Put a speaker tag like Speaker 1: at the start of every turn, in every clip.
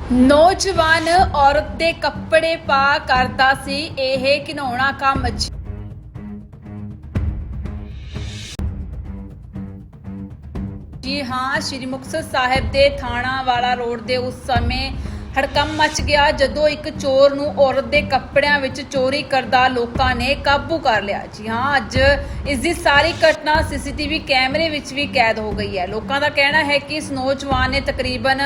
Speaker 1: ਨੌਜਵਾਨ ਔਰਤ ਦੇ ਕੱਪੜੇ ਪਾ ਕਰਦਾ ਸੀ ਇਹ ਘਿਨਾਉਣਾ ਕੰਮ। ਜੀ ਹਾਂ, ਸ਼੍ਰੀ ਮੁਕਤਸਰ ਸਾਹਿਬ ਦੇ ਥਾਣਾ ਵਾਲਾ ਰੋਡ ਦੇ ਉਸ ਸਮੇਂ ਹੜਕੰਪ ਮਚ ਗਿਆ ਜਦੋਂ ਇੱਕ ਚੋਰ ਨੂੰ ਔਰਤ ਦੇ ਕੱਪੜਿਆਂ ਵਿੱਚ ਚੋਰੀ ਕਰਦਾ ਲੋਕਾਂ ਨੇ ਕਾਬੂ ਕਰ ਲਿਆ। ਜੀ ਹਾਂ, ਅੱਜ ਇਸ ਦੀ ਸਾਰੀ ਘਟਨਾ ਸੀਸੀਟੀਵੀ ਕੈਮਰੇ ਵਿੱਚ ਵੀ ਕੈਦ ਹੋ ਗਈ ਹੈ। ਲੋਕਾਂ ਦਾ ਕਹਿਣਾ ਹੈ ਕਿ ਇਸ ਨੌਜਵਾਨ ਨੇ ਤਕਰੀਬਨ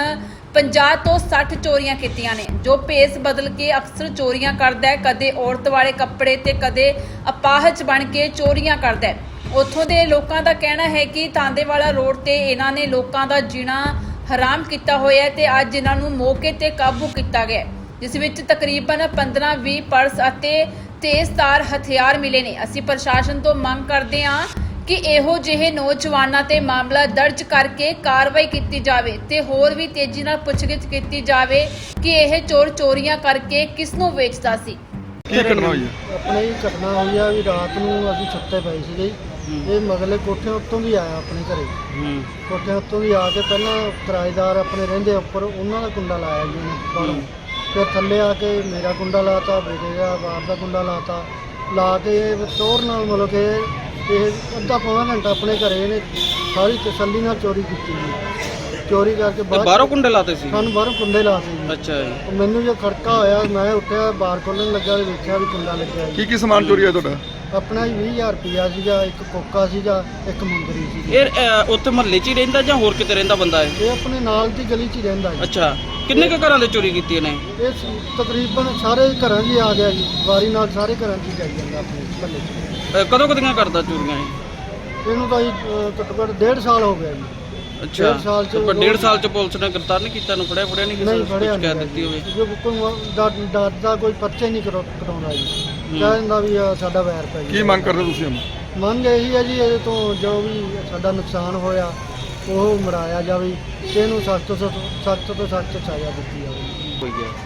Speaker 1: 50 ਤੋਂ 60 ਚੋਰੀਆਂ ਕੀਤੀਆਂ ਨੇ, ਜੋ ਭੇਸ ਬਦਲ ਕੇ ਅਕਸਰ ਚੋਰੀਆਂ ਕਰਦਾ ਹੈ। ਕਦੇ ਔਰਤ ਵਾਲੇ ਕੱਪੜੇ ਤੇ ਕਦੇ ਅਪਾਹਜ ਬਣ ਕੇ ਚੋਰੀਆਂ ਕਰਦਾ ਹੈ। ਉੱਥੋਂ ਦੇ ਲੋਕਾਂ ਦਾ ਕਹਿਣਾ ਹੈ ਕਿ ਤਾਂਦੇਵਾਲਾ ਰੋਡ ਤੇ ਇਹਨਾਂ ਨੇ ਲੋਕਾਂ ਦਾ ਜੀਣਾ ਹਰਾਮ ਕੀਤਾ ਹੋਇਆ ਹੈ ਤੇ ਅੱਜ ਇਹਨਾਂ ਨੂੰ ਮੌਕੇ ਤੇ ਕਾਬੂ ਕੀਤਾ ਗਿਆ, ਜਿਸ ਵਿੱਚ ਤਕਰੀਬਨ 15-20 ਪਰਸ ਅਤੇ ਤੇਜ਼ਧਾਰ ਹਥਿਆਰ ਮਿਲੇ ਨੇ। ਅਸੀਂ ਪ੍ਰਸ਼ਾਸਨ ਤੋਂ ਮੰਗ ਕਰਦੇ ਹਾਂ ਕਿ ਇਹੋ ਜਿਹੇ ਨੌਜਵਾਨਾਂ ਤੇ ਮਾਮਲਾ ਦਰਜ ਕਰਕੇ ਕਾਰਵਾਈ ਕੀਤੀ ਜਾਵੇ ਤੇ ਹੋਰ ਵੀ ਤੇਜ਼ੀ ਨਾਲ ਪੁੱਛਗਿੱਛ ਕੀਤੀ ਜਾਵੇ ਕਿ ਇਹ ਚੋਰ ਚੋਰੀਆਂ ਕਰਕੇ ਕਿਸ ਨੂੰ ਵੇਚਦਾ ਸੀ।
Speaker 2: ਕੀ ਘਟਨਾ ਹੋਈ ਹੈ?
Speaker 3: ਆਪਣੇ ਹੀ ਘਟਨਾ ਹੋਈ ਆ ਵੀ ਰਾਤ ਨੂੰ ਅਸੀਂ ਸੁੱਤੇ ਪਏ ਸੀਗੇ। ਇਹ ਮਗਲੇ ਕੋਠੇ ਉੱਤੋਂ ਵੀ ਆਇਆ ਆਪਣੇ ਘਰੇ। ਕੋਠੇ ਉੱਤੋਂ ਵੀ ਆ ਕੇ ਪਹਿਲਾਂ ਕਿਰਾਏਦਾਰ ਆਪਣੇ ਰਹਿੰਦੇ ਉੱਪਰ, ਉਹਨਾਂ ਦਾ ਕੁੰਡਾ ਲਾਇਆ ਜੀ ਉਹਨੇ ਬਾਹਰੋਂ। ਫਿਰ ਥੱਲੇ ਆ ਕੇ ਮੇਰਾ ਕੁੰਡਾ ਲਾਤਾ, ਬੇਟੇ ਦਾ ਬਾਹਰ ਦਾ ਕੁੰਡਾ ਲਾ ਕੇ ਟੋਰ ਨਾਲ ਮਤਲਬ ਕਿ ਇਹ ਅੱਧਾ ਪੌਣਾ ਘੰਟਾ ਆਪਣੇ ਘਰੇ ਇਹਨੇ ਸਾਰੀ ਤਸੱਲੀ ਨਾਲ ਚੋਰੀ ਕੀਤੀ ਜੀ। ਚੋਰੀ ਕਰਕੇ
Speaker 2: ਬਾਹਰੋਂ ਕੁੰਡੇ ਲਾਤੇ ਸੀ?
Speaker 3: ਸਾਨੂੰ ਬਾਹਰੋਂ ਕੁੰਡੇ ਲਾਤੇ ਜੀ।
Speaker 2: ਅੱਛਾ ਜੀ।
Speaker 3: ਮੈਨੂੰ ਜੋ ਖੜਕਾ ਹੋਇਆ ਮੈਂ ਉੱਠਿਆ, ਬਾਹਰ ਖੋਲ੍ਹਣ ਲੱਗਾ ਤੇ ਵੇਖਿਆ ਵੀ ਕੁੰਡਾ ਲੱਗਿਆ ਜੀ।
Speaker 2: ਕੀ ਸਮਾਨ ਚੋਰੀ ਹੋਇਆ ਤੁਹਾਡਾ?
Speaker 3: ਆਪਣਾ 20,000 ਰੁਪਇਆ ਸੀਗਾ, ਇੱਕ ਕੋਕਾ ਸੀਗਾ, ਇੱਕ ਮੁੰਦਰੀ ਸੀ।
Speaker 2: ਇਹ ਉੱਥੇ ਮਹੱਲੇ 'ਚ ਹੀ ਰਹਿੰਦਾ ਜਾਂ ਹੋਰ ਕਿਤੇ ਰਹਿੰਦਾ ਬੰਦਾ ਹੈ?
Speaker 3: ਇਹ ਆਪਣੇ ਨਾਲ ਦੀ ਗਲੀ 'ਚ ਹੀ ਰਹਿੰਦਾ ਜੀ।
Speaker 2: ਅੱਛਾ, ਕਿੰਨੇ ਕੁ ਘਰਾਂ ਦੇ ਚੋਰੀ ਕੀਤੀ ਇਹਨੇ?
Speaker 3: ਇਹ ਤਕਰੀਬਨ ਸਾਰੇ ਘਰਾਂ 'ਚ ਹੀ ਆ ਗਿਆ ਜੀ, ਵਾਰੀ ਨਾਲ ਸਾਰੇ ਘਰਾਂ 'ਚ ਹੀ ਜਾਈ ਜਾਂਦਾ ਆਪਣੇ ਮਹੱਲੇ 'ਚ।
Speaker 2: ਕਦੋਂ ਕਦੀਆਂ ਕਰਦਾ ਚੋਰੀਆਂ ਇਹ?
Speaker 3: ਇਹਨੂੰ ਤਾਂ ਜੀ ਘੱਟੋ ਘੱਟ 1.5 ਸਾਲ ਹੋ ਗਿਆ ਜੀ।
Speaker 2: ਅੱਛਾ,
Speaker 3: 1.5 ਸਾਲ 'ਚ
Speaker 2: ਪਰ 1.5 ਸਾਲ 'ਚ ਪੁਲਿਸ ਨੇ ਗ੍ਰਿਫਤਾਰ ਨਹੀਂ ਕੀਤਾ? ਨੂੰ ਫੜਿਆ ਨਹੀਂ ਕਿਸੇ
Speaker 3: ਨਹੀਂ
Speaker 2: ਨੂੰ
Speaker 3: ਫੜਿਆ
Speaker 2: ਕੁਝ ਕਹਿ ਦਿੱਤੀ ਹੋਵੇ?
Speaker 3: ਜੋ ਕੋਈ ਡਰਦਾ ਕੋਈ ਪਰਚੇ ਨਹੀਂ ਕਰਾਉਂਦਾ ਜੀ। ਕਹਿ ਦਿੰਦਾ ਵੀ ਸਾਡਾ ਵੈਰ ਪੈ ਗਿਆ।
Speaker 2: ਕੀ ਮੰਗ ਕਰਦੇ ਤੁਸੀਂ ਹੁਣ?
Speaker 3: ਮੰਗ ਇਹੀ ਹੈ ਜੀ, ਇਹਦੇ ਤੋਂ ਜੋ ਵੀ ਸਾਡਾ ਨੁਕਸਾਨ ਹੋਇਆ ਉਹ ਮਰਾਇਆ ਜਾਵੇ ਤੇ ਇਹਨੂੰ ਸਖਤ ਤੋਂ ਸਖਤ ਸਜ਼ਾ ਦਿੱਤੀ ਜਾਵੇ।
Speaker 2: ਹੋਈ ਗਿਆ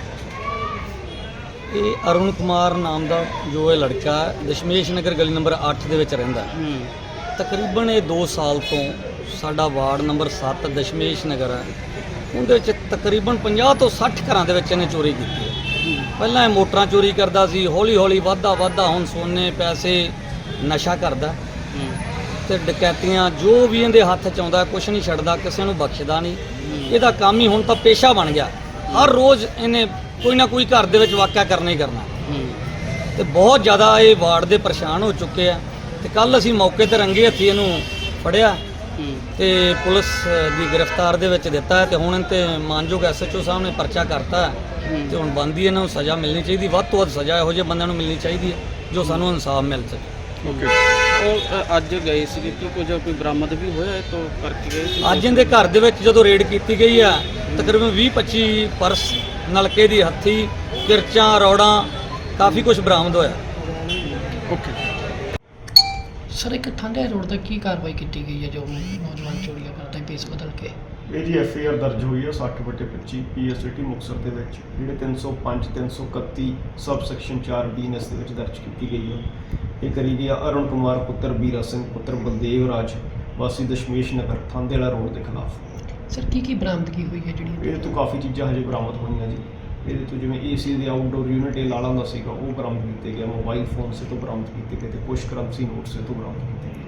Speaker 4: ਇਹ ਅਰੁਣ ਕੁਮਾਰ ਨਾਮ ਦਾ ਜੋ ਇਹ ਲੜਕਾ ਹੈ, ਦਸ਼ਮੇਸ਼ ਨਗਰ ਗਲੀ ਨੰਬਰ 8 ਦੇ ਵਿੱਚ ਰਹਿੰਦਾ ਹੈ। ਤਕਰੀਬਨ ਇਹ 2 ਸਾਲ ਤੋਂ ਸਾਡਾ ਵਾਰਡ ਨੰਬਰ 7 ਦਸ਼ਮੇਸ਼ ਨਗਰ ਹੈ, ਉਹਦੇ ਵਿੱਚ ਤਕਰੀਬਨ 50 ਤੋਂ 60 ਘਰਾਂ ਦੇ ਵਿੱਚ ਇਹਨੇ ਚੋਰੀ ਕੀਤੀ ਹੈ। ਪਹਿਲਾਂ ਇਹ ਮੋਟਰਾਂ ਚੋਰੀ ਕਰਦਾ ਸੀ, ਹੌਲੀ ਹੌਲੀ ਵੱਧਦਾ ਹੁਣ ਸੋਨੇ ਪੈਸੇ ਨਸ਼ਾ ਕਰਦਾ ਤੇ ਡਕੈਤੀਆਂ ਜੋ ਵੀ ਇਹਦੇ ਹੱਥ 'ਚ ਆਉਂਦਾ ਕੁਛ ਨਹੀਂ ਛੱਡਦਾ, ਕਿਸੇ ਨੂੰ ਬਖਸ਼ਦਾ ਨਹੀਂ। ਇਹਦਾ ਕੰਮ ਹੀ ਹੁਣ ਤਾਂ ਪੇਸ਼ਾ ਬਣ ਗਿਆ। ਹਰ ਰੋਜ਼ ਇਹਨੇ ਕੋਈ ਨਾ ਕੋਈ ਘਰ ਦੇ ਵਿੱਚ ਵਾਕਿਆ ਕਰਨਾ ਹੀ ਕਰਨਾ ਤੇ ਬਹੁਤ ਜ਼ਿਆਦਾ ਇਹ ਵਾਰਡ ਦੇ ਪਰੇਸ਼ਾਨ ਹੋ ਚੁੱਕੇ ਆ। ਤੇ ਕੱਲ ਅਸੀਂ ਮੌਕੇ ਤੇ ਰੰਗੇ ਹੱਥੀ ਇਹਨੂੰ ਫੜਿਆ ਤੇ ਪੁਲਿਸ ਦੀ ਗ੍ਰਿਫਤਾਰ ਦੇ ਵਿੱਚ ਦਿੱਤਾ ਹੈ ਤੇ ਹੁਣ ਇਹਤੇ ਮਾਨਯੋਗ ਐਸਐਚਓ ਸਾਹਿਬ ਨੇ ਪਰਚਾ ਕਰਤਾ ਤੇ ਹੁਣ ਬੰਦੀ ਇਹਨਾਂ ਨੂੰ ਸਜ਼ਾ ਮਿਲਣੀ ਚਾਹੀਦੀ, ਵੱਧ ਤੋਂ ਵੱਧ ਸਜ਼ਾ ਇਹੋ ਜਿਹੇ ਬੰਦਿਆਂ ਨੂੰ ਮਿਲਣੀ ਚਾਹੀਦੀ ਹੈ ਜੋ ਸਾਨੂੰ ਇਨਸਾਫ ਮਿਲ ਸਕੇ।
Speaker 2: ਓਕੇ। ਉਹ ਅੱਜ ਗਏ ਸੀ ਕਿ ਕੋਈ ਬਰਾਮਦ ਵੀ ਹੋਇਆ ਇਹ ਤੋਂ ਕਰਕੇ ਗਏ ਸੀ?
Speaker 4: ਅੱਜ ਇਹਦੇ ਘਰ ਦੇ ਵਿੱਚ ਜਦੋਂ ਰੇਡ ਕੀਤੀ ਗਈ ਆ ਤਕਰੀਬਨ 20-25 ਪਰਸ, ਨਲਕੇ ਦੀ ਹੱਥੀ, ਕਿਰਚਾਂ, ਰੌੜਾਂ, ਕਾਫੀ ਕੁਝ ਬਰਾਮਦ ਹੋਇਆ।
Speaker 2: ਓਕੇ
Speaker 5: ਸਰ, ਇੱਕ ਠਾਂਡੇ ਰੋਡ ਤੇ ਕੀ ਕਾਰਵਾਈ ਕੀਤੀ ਗਈ ਹੈ ਜੋ ਨੌਜਵਾਨ ਚੋਰੀਆਂ ਕਰਦਾ ਹੈ ਭੇਸ ਬਦਲ ਕੇ?
Speaker 6: ਇਹ ਜੀ ਐਫਆਈਆਰ ਦਰਜ ਹੋਈ ਹੈ 60/25 ਪੀਐਸਟੀ ਮੁਕਤਸਰ ਦੇ ਵਿੱਚ, ਜਿਹੜੇ 305 331 ਸਬ ਸੈਕਸ਼ਨ 4(b) ਦੇ ਵਿੱਚ ਦਰਜ ਕੀਤੀ ਗਈ ਹੈ। ਇਹ ਕਰੀ ਗਈ ਅਰੁਣ ਕੁਮਾਰ ਪੁੱਤਰ ਬੀਰਾ ਸਿੰਘ ਪੁੱਤਰ ਬਲਦੇਵ ਰਾਜ ਵਾਸੀ ਦਸ਼ਮੇਸ਼ ਨਗਰ ਥਾਂਦੇਵਾਲਾ ਰੋਡ ਦੇ ਖਿਲਾਫ।
Speaker 5: ਸਰ, ਕੀ ਬਰਾਮਦਗੀ ਹੋਈ ਹੈ ਜਿਹੜੀ?
Speaker 6: ਇਹ ਤੋਂ ਕਾਫੀ ਚੀਜ਼ਾਂ ਹਜੇ ਬਰਾਮਦ ਹੋਈਆਂ ਜੀ। ਇਹਦੇ ਤੋਂ ਜਿਵੇਂ ਏਸੀ ਦੇ ਆਊਟਡੋਰ ਯੂਨਿਟ ਇਹ ਲਾਲਾਂ ਦਾ ਸੀਗਾ, ਉਹ ਬਰਾਮਦ ਕੀਤੇ ਗਿਆ। ਮੋਬਾਈਲ ਫੋਨ ਸੇ ਤੋਂ ਬਰਾਮਦ ਕੀਤੇ ਗਏ ਤੇ ਕੁਛ ਕਰੰਸੀ ਨੋਟਸ ਤੋਂ ਬਰਾਮਦ ਕੀਤੇ ਗਏ।